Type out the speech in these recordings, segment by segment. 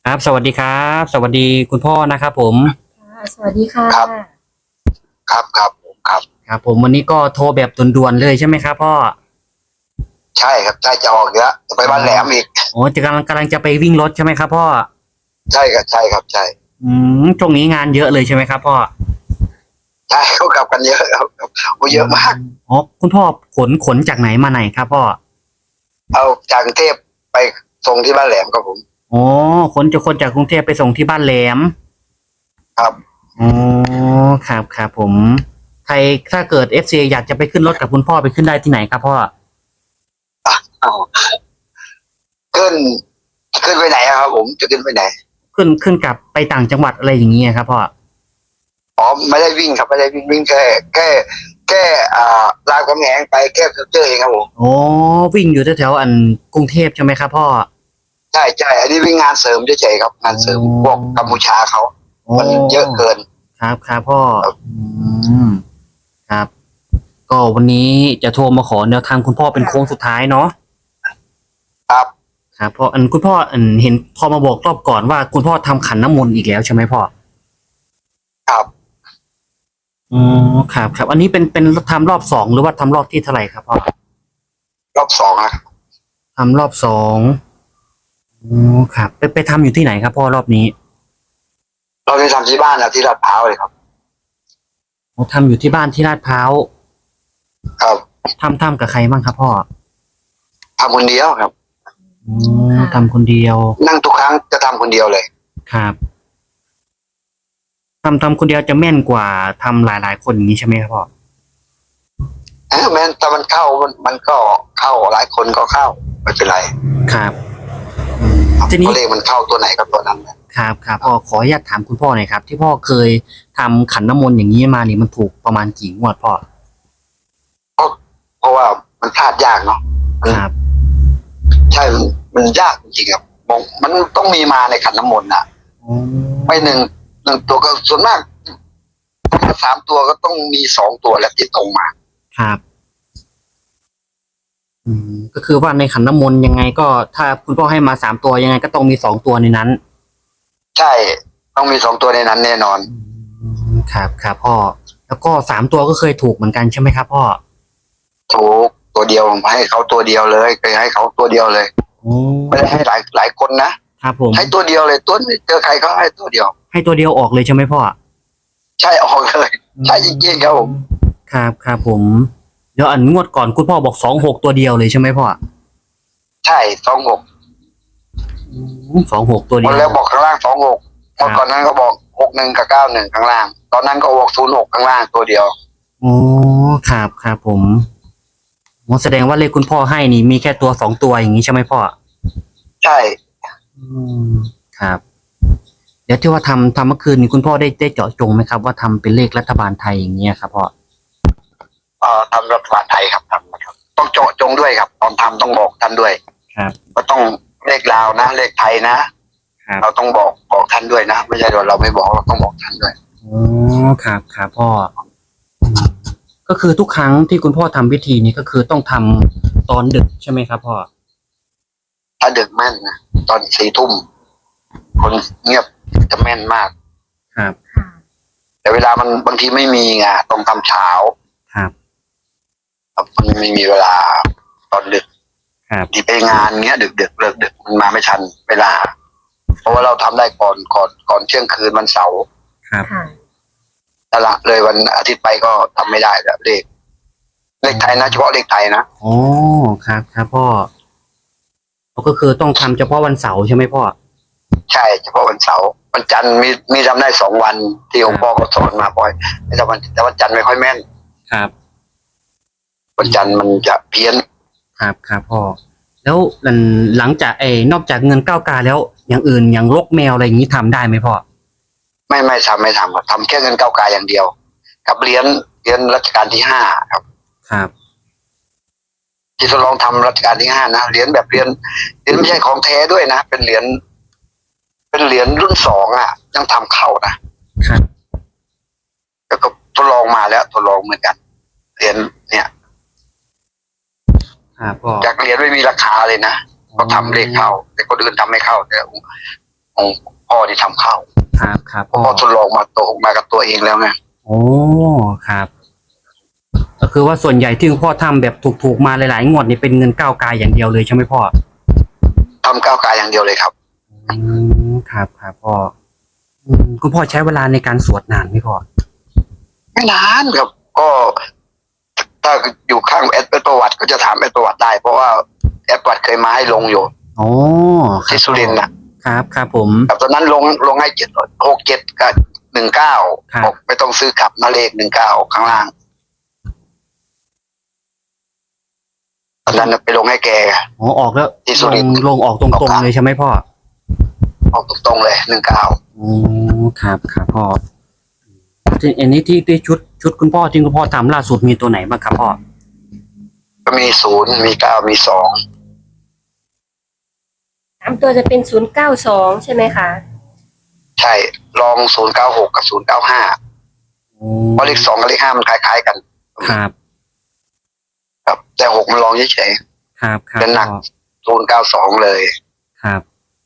ครับสวัสดีครับสวัสดีคุณพ่อนะครับผมค่ะสวัสดีค่ะครับครับผมครับครับผมวันนี้ก็โทรแบบด่วนๆเลยใช่ไหมครับพ่อใช่ครับใช่จะออกเยอะจะไปอ๋อบ้านแหลมอีกโอ้จะกำลังจะไปวิ่งรถใช่ไหมครับพ่อใช่ครับใช่ครับใช่ช่วงนี้งานเยอะเลยใช่ไหมครับพ่อใช่เขากลับกันเยอะครับโอ้อืเยอะมากอ๋อคุณพ่อขนจากไหนมาไหนครับพ่อเอาจากกรุงเทพไปส่งที่บ้านแหลมครับผมอ๋อขนจากกรุงเทพไปส่งที่บ้านแหลมครับอ๋อครับผมใครถ้าเกิดเอฟซีอยากจะไปขึ้นรถกับคุณพ่อไปขึ้นได้ที่ไหนครับพ่อเอาขึ้นขึ้นไปไหนอะครับผมจะขึ้นไปไหนขึ้นกลับไปต่างจังหวัดอะไรอย่างเงี้ยครับพ่ออ๋อไม่ได้วิ่งครับไม่ได้วิ่งแค่รามคำแหงไปแค่ฟิวเจอร์เองครับผมอ๋อวิ่งอยู่แถวๆอันกรุงเทพใช่ไหมครับพ่อใช่ใช่อันนี้วิ่งงานเสริมเฉยๆครับงานเสริมพวกกัมพูชาเขาโอ้มันเยอะเกินครับพ่อครับมครับก็วันนี้จะโทรมาขอแนวทางคุณพ่อเป็นโค้งสุดท้ายเนาะครับครับพ่อคุณพ่อเห็นพอมาบอกรอบก่อนว่าคุณพ่อทำขันน้ำมนต์อีกแล้วใช่ไหมพ่อครับอ๋อครับอันนี้เป็นทำรอบสองหรือว่าทำรอบที่เท่าไหร่ครับพ่อรอบสองนะทำรอบสองอ๋อครับไปทำอยู่ที่ไหนครับพ่อรอบนี้เราได้ทำที่บ้านนะที่ลาดพร้าวเลยครับอ๋อทำอยู่ที่บ้านที่ลาดพร้าวครับทำกับใครบ้างครับพ่อทำคนเดียวครับอ๋อทำคนเดียวนั่งทุกครั้งจะทำคนเดียวเลยครับทำคนเดียวจะแม่นกว่าทำหลายคนอย่างนี้ใช่ไหมครับพ่อแม้ถ้ามันเข้ามันก็เข้าหลายคนก็เข้าไม่เป็นไรครับทีนี้เพราะเลขมันเข้าตัวไหนก็ตัวนั้นครับพ่อขออนุญาตถามคุณพ่อหน่อยครับที่พ่อเคยทำขันน้ำมนต์อย่างนี้มานี่มันถูกประมาณกี่งวดพ่อเพราะว่ามันพลาดยากเนาะครับใช่มันยากจริงๆครับมันต้องมีมาในขันน้ำมนต์นะอ๋ไม่อหนึ่งตัวก็ส่วนมากถ้าสามตัวก็ต้องมีสองตัวแล้วติดตรงมาครับก็คือว่าในขันน้ำมนต์ยังไงก็ถ้าคุณพ่อให้มา3 ตัวยังไงก็ต้องมี2 ตัวในนั้นใช่ต้องมีสองตัวในนั้นแน่นอนครับพ่อแล้วก็3 ตัวก็เคยถูกเหมือนกันใช่ไหมครับพ่อถูกตัวเดียวให้เขาตัวเดียวเลยเคยให้เขาตัวเดียวเลยโอ้ไม่ได้ให้หลายคนนะครับผมให้ตัวเดียวเลยตัวเจอใครก็ให้ตัวเดียวให้ตัวเดียวออกเลยใช่ไหมพ่อใช่ออกเลยใช่จริงๆครับผมครับผมเดี๋ยวงวดก่อนคุณพ่อบอก26ตัวเดียวเลยใช่ไหมพ่อใช่26 26ตัวเดีคนยวแล้วบอกข้างล่าง26เมื่อก่อนนั้นก็บอก61กับ91ข้างล่างตอนนั้นก็บอก06ข้างล่างตัวเดียวอ๋อครับผมแสดงว่าเลขคุณพ่อให้นี่มีแค่ตัว2 ตัวอย่างนี้ใช่ไหมพ่อใช่อืมครับเดี๋ยวที่ว่าทำเมื่อคืนนี้คุณพ่อได้เจาะจงไหมครับว่าทำเป็นเลขรัฐบาลไทยอย่างเงี้ยครับพ่อทำรัฐบาลไทยครับทำนะครับต้องเจาะจงด้วยครับตอนทำต้องบอกท่านด้วยครับก็ต้องเลขลาวนะเลขไทยนะครับเราต้องบอกท่านด้วยนะไม่ใช่ว่าเราไม่บอกเราต้องบอกท่านด้วยอ๋อครับพ่ออืมก็คือทุกครั้งที่คุณพ่อทำพิธีนี้ก็คือต้องทำตอนดึกใช่ไหมครับพ่อถ้าดึกแม่นนะตอน4 ทุ่มคนเงียบจะแม่นมากครับค่ะแต่เวลามันบางทีไม่มีไงต้องทำเช้าครับมันไม่มีเวลาตอนดึกครับที่ไปงานเงี้ยดึกเลิกดึกมันมาไม่ทันเวลาเพราะว่าเราทำได้ก่อนเที่ยงคืนวันเสาร์ครับค่ะแต่ละเลยวันอาทิตย์ไปก็ทำไม่ได้แล้วเลขไทยนะเฉพาะเลขไทยนะอ๋อครับพ่อก็คือต้องทำเฉพาะวันเสาร์ใช่ไหมพ่อใช่เฉพาะวันเสาร์วันจันทร์มีทำได้2 วันที่องค์พ่อก็สอนมาบ่อยแต่วันจันทร์ไม่ค่อยแม่นครับวันจันทร์มันจะเพี้ยนครับพ่อแล้วหลังจากนอกจากเงิน9 กาแล้วอย่างอื่นอย่างลกแมวอะไรอย่างนี้ทำได้ไหมพ่อไม่ทำครับทำแค่เงินเก้ากายอย่างเดียวกับเหรียญรัชกาลที่5ครับครับที่ทดลองทำรัชกาลที่5นะเหรียญแบบเหรียญไม่ใช่ของแท้ด้วยนะเป็นเหรียญรุ่น2ยังทำเข้านะครับแล้วก็ทดลองมาแล้วทดลองเหมือนกันเหรียญเนี่ยครับพ่อจากเหรียญไม่มีราคาเลยนะก็ทำเลขเข้าแต่คนอื่นทำไม่เข้าแต่ของพ่อที่ทำเข้าครับครับพ่อพ่อทดลองมากับตัวเองแล้วไงโอ้ครับก็คือว่าส่วนใหญ่ที่คุณพ่อทำแบบถูกๆมาหลายๆงวดนี่เป็นเงินก้าวกายอย่างเดียวเลยใช่ไหมพ่อทำก้าวกายอย่างเดียวเลยครับอืมครับครับพ่อคุณพ่อใช้เวลาในการสวดนานไหมพ่อไม่นานครับก็ถ้าอยู่ข้างแอดประวัติก็จะถามแอดประวัติได้ เพราะว่าแอดประวัติเคยมาให้ลงอยู่โอ้ครับที่สุรินทร์นะครับครับผมครับตอนนั้นลงให้767กับ19บอกไม่ต้องซื้อกลับมาเลข19ข้างล่างตอนนั้นไปลงให้แกอ๋อออกแล้วที่สุรินทร์ลงออกตรงๆเลยใช่ไหมพ่อออกตรงๆเลย19 โอ้ครับครับพ่ออันนี้ที่ชุดคุณพ่อที่คุณพ่อทำล่าสุดมีตัวไหนบ้างครับพ่อก็มี0มี9มี2 3 ตัวจะเป็น092ใช่ไหมคะใช่ลอง096กับ095เพราะเลข2กับเลข5มันคล้ายๆกันครับครับ แต่6มันลองเฉยครับครับเป็นหนักพ่อ 092เลยครับ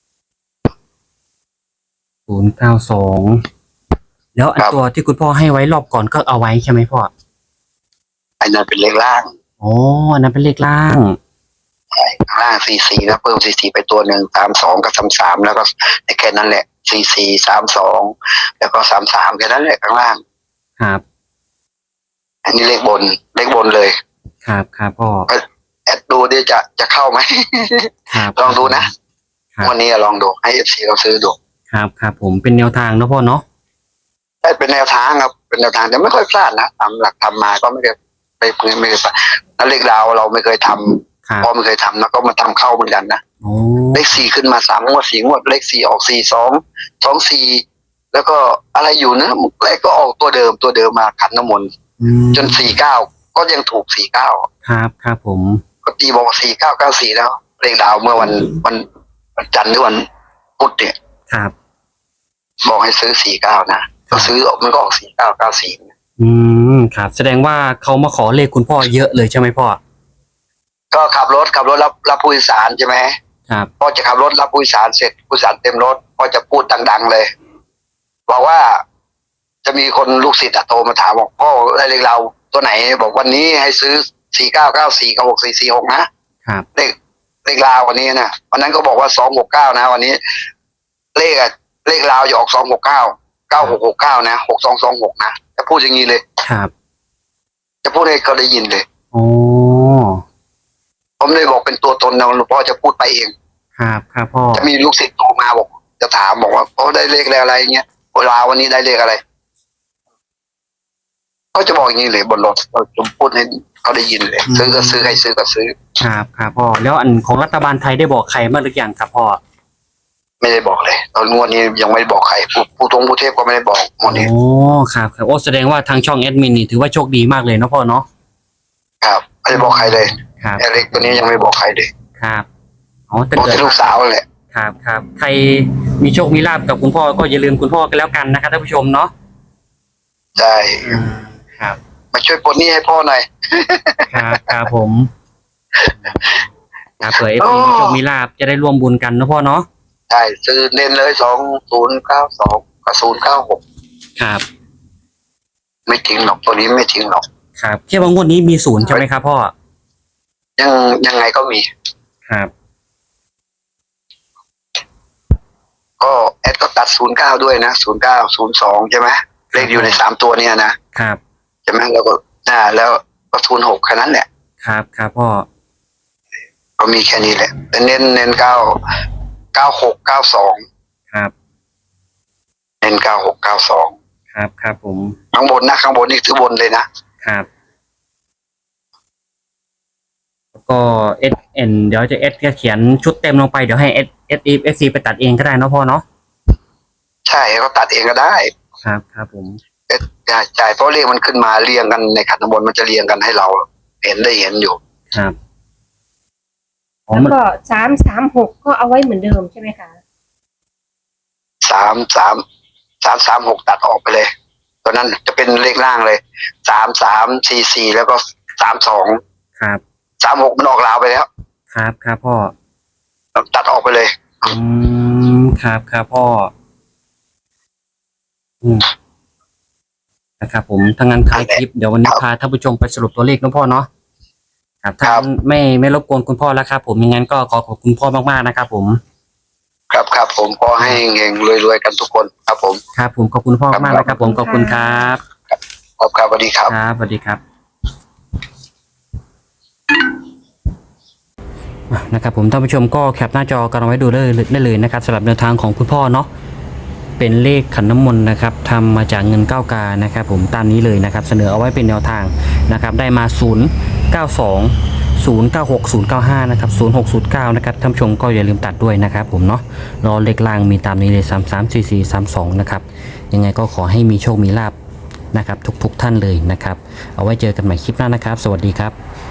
092แล้วอันตัวที่คุณพ่อให้ไว้รอบก่อนก็เอาไว้ใช่ไหมพ่อไอ้นั่นเป็นเลขล่างอ๋ออันนั้นเป็นเลขล่างใช่ข้างล่าง44แล้วเพิ่ม44ไปตัวหนึ่ง32กับ33แล้วก็แค่นั้นแหละ44 32แล้วก็33แค่นั้นแหละข้างล่างครับอันนี้เลขบนเลยครับครับพ่อแอดดูดิจะเข้าไหมครับลองดูนะครับ วันนี้ลองดูให้ FC เราซื้อดูครับครับผมเป็นแนวทางนะพ่อเนาะได้เป็นแนวทางครับเป็นแนวทางแต่ไม่ค่อยพลาดนะตามหลักทำมาก็ไม่เคยไม่เคยแล้วเลขดาวเราไม่เคยทำครับพอไม่เคยทำแล้วก็มาทำเข้าเหมือนกันนะโอ้เลข4ขึ้นมา3งวด4งวดเลข4ออก42 4แล้วก็อะไรอยู่นะเลขก็ออกตัวเดิมมาขันน้ำมนต์จน49ก็ยังถูก49 ครับครับผมก็ตีบอก4994แล้วเลขดาวเมื่อวันจันทร์หรือวันพุธเนี่ยครับบอกให้ซื้อ49นะก็ซื้อมันก็ออก4994 ครับแสดงว่าเขามาขอเลขคุณพ่อเยอะเลยใช่ไหมพ่อก็ขับรถรับผู้โดยสารใช่ไหมครับพ่อจะขับรถรับผู้โดยสารเสร็จผู้โดยสารเต็มรถพ่อจะพูดดังๆเลยบอกว่าจะมีคนลูกศิษย์โทรมาถามบอกพ่อได้เลขเราตัวไหนบอกวันนี้ให้ซื้อ4994กับ6446นะครับเลขลาววันนี้นะวันนั้นก็บอกว่า269นะวันนี้เลขลาวจะออก269 9669นะ6226นะจะพูดอย่างนี้เลยครับจะพูดให้เขาได้ยินเลยโอ้ผมเลยบอกเป็นตัวตนนะหลวงพ่อจะพูดไปเองครับครับพ่อจะมีลูกศิษย์โทรมาบอกจะถามบอกว่าเขาได้เลขอะไรเงี้ยเวลาวันนี้ได้เลขอะไรเขาจะบอกอย่างนี้เลยบนรถเราจะพูดให้เขาได้ยินเลยซื้อก็ซื้อใครซื้อก็ซื้อครับครับพ่อแล้วอันของรัฐบาลไทยได้บอกใครบ้างหรือยังครับพ่อไม่ได้บอกเลยตอนงวดนี้ยังไม่ได้บอกใครผู้เทพก็ไม่ได้บอกงวดนี้โอ้ครับครับโอ้แสดงว่าทางช่องแอดมินนี่ถือว่าโชคดีมากเลยเนาะพ่อเนาะครับไม่ได้บอกใครเลยครับไอ้เล็กตัวนี้ยังไม่บอกใครเลยครับอ๋อถ้าบอกเกิดที่ลูกสาวแหละครับครับใครมีโชคมีลาภกับคุณพ่อก็อย่าลืมคุณพ่อกันแล้วกันนะครับท่านผู้ชมเนาะใช่ครับมาช่วยปลดหนี้ให้พ่อหน่อยครับครับผมครับเผื่อเอฟซีมีโชคมีลาภจะได้ร่วมบุญกันนะพ่อเนาะใช่ซื้อเน้นเลย2092กับ096 ครับไม่ทิ้งหรอกตัวนี้ไม่ทิ้งหรอกครับแค่ว่างวดนี้มี0ใช่ไหมครับพ่อยังไงก็มีครับก็แอดก็ตัด09ด้วยนะ09 02ใช่ไหมเลขอยู่ใน3ตัวเนี่ยนะครับ ใช่ไหมแล้วก็แล้วก็06แค่นั้นแหละครับครับพ่อก็มีแค่นี้แหละแต่เน้น96 92 ครับเน้น96 92 ครับครับผมข้างบนนี่ถือบนเลยนะครับแล้วก็เดี๋ยวจะจะเขียนชุดเต็มลงไปเดี๋ยวให้เอฟซีไปตัดเองก็ได้เนาะพ่อเนาะใช่ก็ตัดเองก็ได้ครับครับผมใช่เพราะเลขมันขึ้นมาเรียงกันในขันน้ำมนต์มันจะเรียงกันให้เราเห็นอยู่ครับอ๋อแล้วมันก็336ก็เอาไว้เหมือนเดิมใช่ไหมคะ 336ตัดออกไปเลยตอนนั้นจะเป็นเลขล่างเลย3344แล้วก็32 ครับ 36มันออกลาวไปแล้วครับครับพ่อตัดออกไปเลยอืครับครับพ่ออืมนะครับผมถ้างั้นท้ายคลิปเดี๋ยววันนี้พาท่านผู้ชมไปสรุปตัวเลขนะพ่อเนาะครับถ้างั้นไม่รบกวนคุณพ่อแล้วครับผมอย่างนั้นก็ขอขอบคุณพ่อมากๆนะครับผมครับผมก็ให้เงงรวยๆกันทุกคนครับผมครับผมขอบคุณพ่อมากนะครับผมขอบคุณครับครับสวัสดีครับครับสวัสดีครับนะครับผมท่านผู้ชมก็แคปหน้าจอกันเอาไว้ดูได้เลยนะครับสำหรับแนวทางของคุณพ่อเนาะเป็นเลขขันน้ำมนต์นะครับทำมาจากเงิน9 กานะครับผมตามนี้เลยนะครับเสนอเอาไว้เป็นแนวทางนะครับได้มา092 096 095นะครับ0609นะครับท่านผู้ชมก็อย่าลืมตัดด้วยนะครับผมเนาะรอเลขล่างมีตามนี้เลย334432นะครับยังไงก็ขอให้มีโชคมีลาภนะครับทุกท่านเลยนะครับเอาไว้เจอกันใหม่คลิปหน้านะครับสวัสดีครับ